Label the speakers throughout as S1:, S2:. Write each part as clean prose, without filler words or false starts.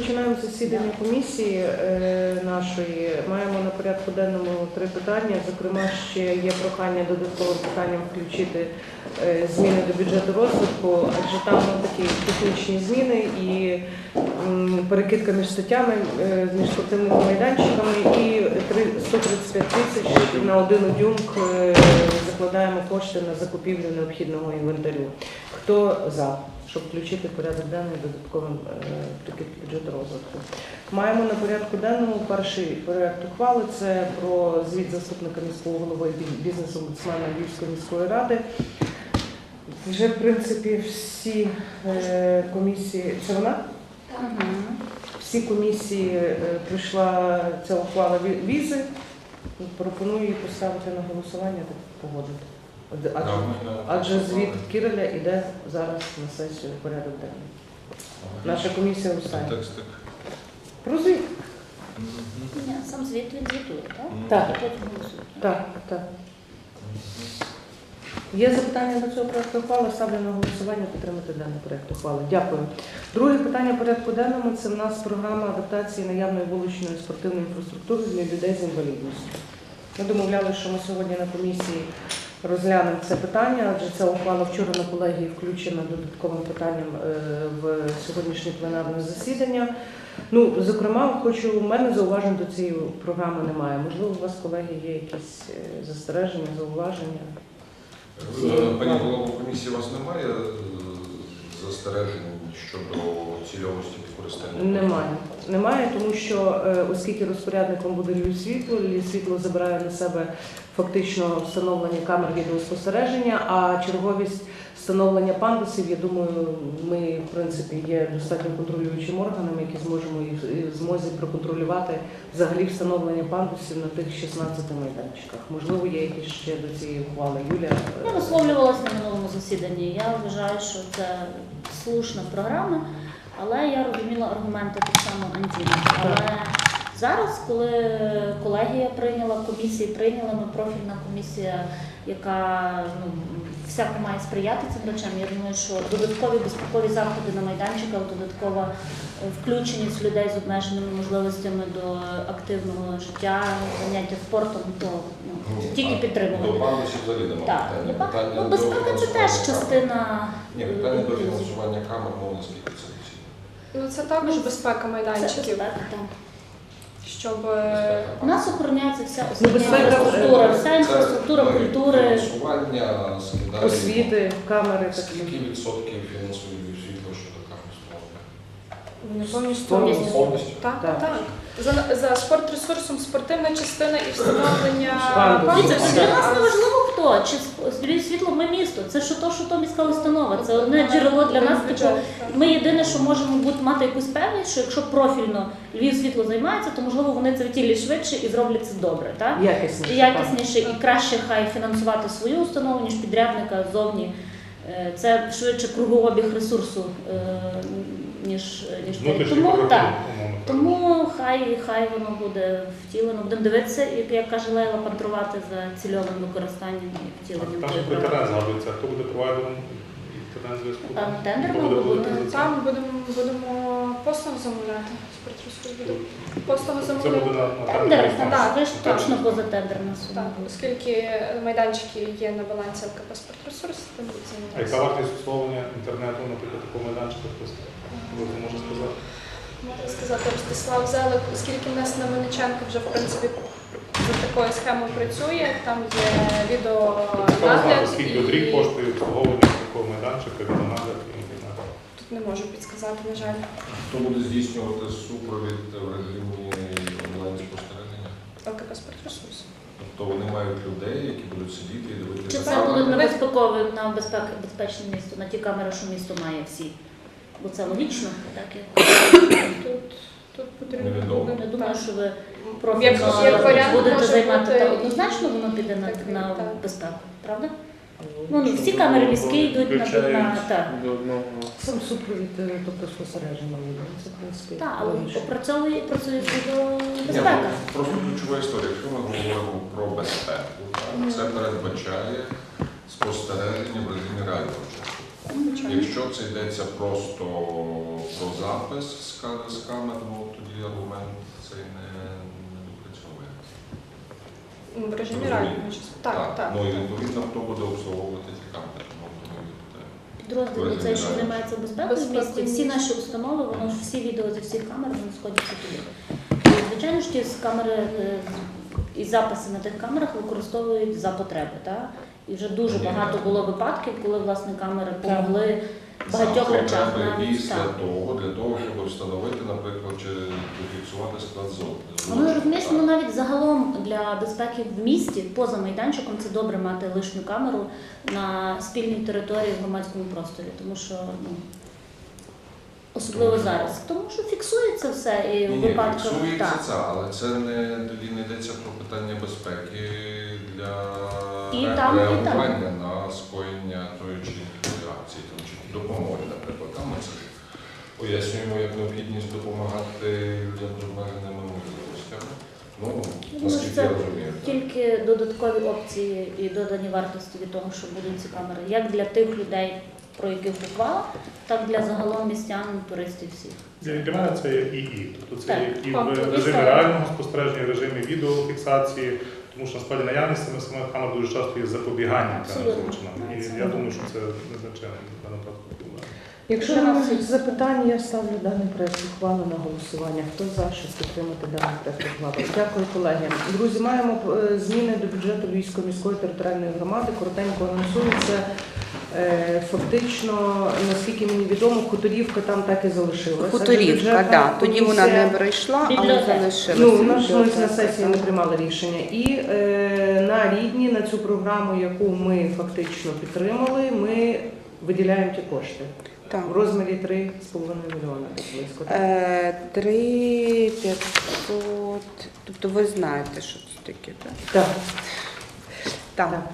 S1: починаємо засідання комісії нашої. Маємо на порядку денному 3 питання. Зокрема, ще є прохання додатковим питанням включити зміни до бюджету розвитку, адже там такі технічні зміни і перекидка між статтями, між спортивними майданчиками і 135 тисяч на один удюнк закладаємо кошти на закупівлю необхідного інвентарю. Хто за? Щоб включити в порядок денний додатковим прикид бюджету розвитку. Маємо на порядку денному перший проект ухвали. Це про звіт заступника міського голови бізнес-омбудсмена Львівської міської ради. Вже, в принципі, всі комісії... Це вона? Всі комісії прийшла ця ухвала візи. Пропоную її поставити на голосування та погодити. Адже звіт Кіреля йде зараз на сесію в порядок денний. Наша комісія останнє. Про звіт.
S2: Ні, сам звіт він звітує,
S1: Так.
S2: І потім голосує.
S1: Так. Є запитання до цього проекту ухвали? Ставлю на голосування підтримати даний проект ухвали. Дякую. Друге питання порядку денному – це в нас програма адаптації наявної вуличної спортивної інфраструктури для людей з інвалідністю. Ми домовляли, що ми сьогодні на комісії розглянемо це питання, адже ця ухвала вчора на колегії включена додатковим питанням в сьогоднішнє пленарне засідання. Зокрема, у мене зауважень до цієї програми немає. Можливо, у вас, колеги, є якісь застереження, зауваження?
S3: Пані голово комісії, у вас немає застережень щодо цільовості використання?
S1: Немає, тому що оскільки розпорядником буде Львівсвітло забирає на себе фактично встановлення камер відеоспостереження, а черговість встановлення пандусів, я думаю, ми, в принципі, є достатньо контролюючим органом, які зможемо і в змозі проконтролювати взагалі встановлення пандусів на тих 16 майданчиках. Можливо, є якісь ще до цієї ухвали. Юля?
S2: Я висловлювалася на минулому засіданні. Я вважаю, що це слушна програма, але я розуміла аргументи так само Антіни. Але зараз, коли колегія прийняла, комісії прийняла, профільна комісія, яка всяко має сприяти цим речам, я думаю, що додаткові безпекові заходи на майданчиках, додаткова включеність людей з обмеженими можливостями до активного життя, заняття спортом, то тільки підтримувати.
S3: До пандусів взагалі немає питання.
S2: Безпека – це теж частина.
S3: Питання до фінансування камер, наскільки це доцільно.
S4: Це також безпека майданчиків, щоб...
S3: Безпека.
S2: У нас охороняється вся інфраструктура культури.
S3: Фінансування,
S1: освіти, камери.
S3: Скільки відсотків фінансує Львівсвітло щодо камер
S4: Повністю.
S3: Повністю?
S4: Так. За спортресурсом спортивна частина і встановлення
S1: пандусів.
S2: Для нас не важливо хто, чи Львівсвітло, ми місто. Це що то міська установа. Це одне джерело для нас. Ми єдине, що можемо мати якусь певність, що якщо профільно Львівсвітло займається, то можливо вони це втілять швидше і зроблять це добре. Так? Якісніше і краще хай фінансувати свою установу, ніж підрядника ззовні. Це швидше кругообіг ресурсу, ніж тому хай воно буде втілено. Будемо дивитися, як каже Лейла, пантрувати за цільовим використанням і втіленням.
S5: Там же терен згадується, хто буде провайдером і терен зв'язку?
S2: Там тендер мав бути.
S4: Там будемо послуг замовляти. Спортресурс буде послуг
S5: Це
S4: замовляти.
S5: буде на
S2: Тендер,
S4: Так,
S2: ви ж точно поза тендерна сума.
S4: Так, оскільки майданчики є на балансі ЛКП «Спортресурс», там буде
S5: А яка
S4: займатися.
S5: вартість обслуговування інтернету, наприклад, такого майданчика, хтось може сказати?
S4: Можна сказати, Ростислав Зелик, оскільки в нас на Мельниченка вже, в принципі, за такою схемою працює, там є відеонагляд.
S5: Скільки от рік коштує обслуговування такого майданчика, відеонагляд і інтернету?
S4: Тут не можу підсказати, на жаль.
S3: Хто буде здійснювати супровід в режимі онлайн-спостереження?
S4: ЛКП «Спортресурс».
S3: Тобто вони мають людей, які будуть сидіти і дивитися.
S2: Чи це буде на безпечне місто, на ті камери, що місто має всі? Бо це логічно, так?
S4: Тут потрібно
S3: Невідомо.
S4: буде.
S2: Я думаю, що ви
S4: Як
S2: профільно
S4: варіант
S2: будете
S4: може
S2: займати,
S4: бути
S2: та однозначно воно піде на
S4: так.
S2: безпеку, правда? Всі камери міські йдуть на так.
S1: Сам супровід, тобто спостереження. Це, в принципі,
S2: Так, але
S1: логічно.
S2: працює безпека.
S3: Просто ключова історія. Якщо ми говоримо про безпеку, це передбачає спостереження в режимі реального часу. Якщо це йдеться просто про запис з камер, ну тоді аргумент цей не допрацьовує.
S4: В режимі
S3: Розумію.
S4: реального часу. Так, так.
S3: Ну і відповідно, хто буде обслуговувати ті камери, тому
S2: Підрозділ цей, що займається безпекою в місті, всі
S4: Безпекою.
S2: наші установи, воно ж всі відео зі всіх камер, вони сходяться туди. І, звичайно ж, ті з камери і записи на тих камерах використовують за потреби. Так? І вже дуже багато було випадків, коли власне камери помогли в багатьох речах. Навіть,
S3: після
S2: так.
S3: того, для того, щоб встановити, наприклад, чи зафіксувати склад
S2: Воно розумієш, воно навіть загалом для безпеки в місті, поза майданчиком, це добре мати лишню камеру на спільній території в громадському просторі, тому що особливо зараз. Тому що фіксується все і в випадках.
S3: фіксується
S2: Так.
S3: це, але це тоді не йдеться про питання безпеки для
S2: І там, і там.
S3: реагування на скоєння тої чи іншої акції, там, чи допомоги, наприклад. Там ми це ж пояснюємо як необхідність допомагати людям з обмеженими можливостями. Ну,
S2: думаю,
S3: наскільки
S2: це
S3: я розумію. так.
S2: Тільки додаткові опції і додані вартості від того, що будуть ці камери, як для тих людей, про яких ухвала, так для загалом містян, туристів всіх.
S5: Для мене це є і. Тобто це
S2: Так.
S5: є і
S4: Тобто,
S5: в
S4: і
S5: режимі
S4: це-
S5: реального спостереження, і в режимі відеофіксації, тому що насправді наявність самих камер дуже часто є запобіганням певним
S2: Абсолютно.
S5: злочинам.
S2: Це
S5: І я думаю, що це незначайно в даному випадку проблема.
S1: Якщо немає запитань, я ставлю даний проект ухвали на голосування. Хто за, щоб підтримати даний проект ухвали? Дякую, колеги. Друзі, маємо зміни до бюджету Львівської міської територіальної громади. Коротенько анонсується. Фактично, наскільки мені відомо, Хуторівка там так і залишилася.
S6: Хуторівка, так. Тоді вона не
S1: комісія-
S6: пройшла, але
S2: Бібліотека.
S6: залишилася.
S1: Ну, ми ж
S6: Бібліотека,
S1: на сесії не
S6: так.
S1: приймали рішення. І на Рідні, на цю програму, яку ми фактично підтримали, ми виділяємо ті кошти.
S6: Так.
S1: В розмірі 3,5 мільйона десь близько.
S6: 3500, тобто ви знаєте, що це таке, так?
S1: Так.
S6: Так.
S1: Так.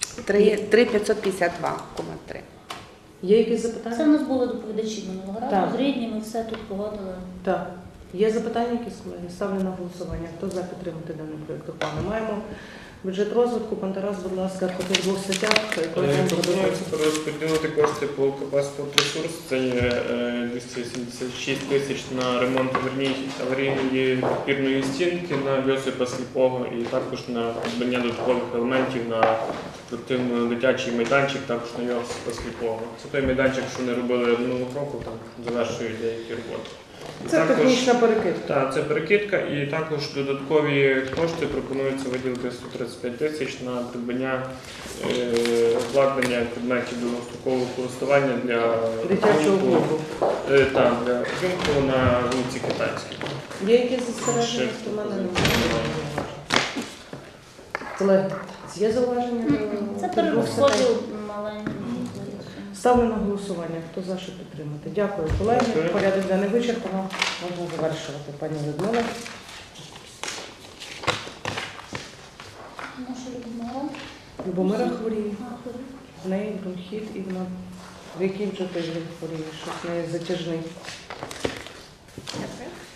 S6: 3552,3.
S1: Є якісь
S2: Це
S1: запитання?
S2: в нас були доповідачі минулого разу,
S1: Так.
S2: з Рідні, ми все тут погодили.
S1: Так. Є запитання якісь, колеги? Ставлю на голосування. Хто за підтримати даний проєкт ухвали? Маємо бюджет розвитку. Пан Тарас, будь ласка, по тих двох статтях.
S7: Пропонується перерозподілити кошти по КП «Спортресурс». Це є 276 тисяч на ремонт аварійної підпірної стінки на Йосипа Сліпого і також на придбання додаткових елементів на спортивно-дитячий майданчик, також на Йосипа Сліпого. Це той майданчик, що не робили минулого року, там завершують деякі роботи. І
S1: Це
S7: також-
S1: технічна перекидка.
S7: Так, це перекидка, і також додаткові кошти пропонується виділити 135 тисяч на придбання обладнання предметів довгострокового користування для
S1: Дитячого
S7: ринку.
S1: клубу.
S7: Так, для ринку на вулиці Китайській.
S1: Є якісь застереження?
S7: Ще
S1: До мене немає. Колеги, є зауваження? до
S2: Це
S1: тих двох статей?
S2: перерозподіл маленький.
S1: Ставлю на голосування. Хто за, щоб підтримати? Дякую, колеги.
S7: Дякую.
S1: Порядок денний вичерпано. Можна завершувати, пані Людмила.
S2: Наша Людмила.
S1: Любомира хворіє.
S2: Ахова.
S1: В неї бронхіт і вона в який вже тиждень хворіє, щось в неї затяжний.
S4: Дякую.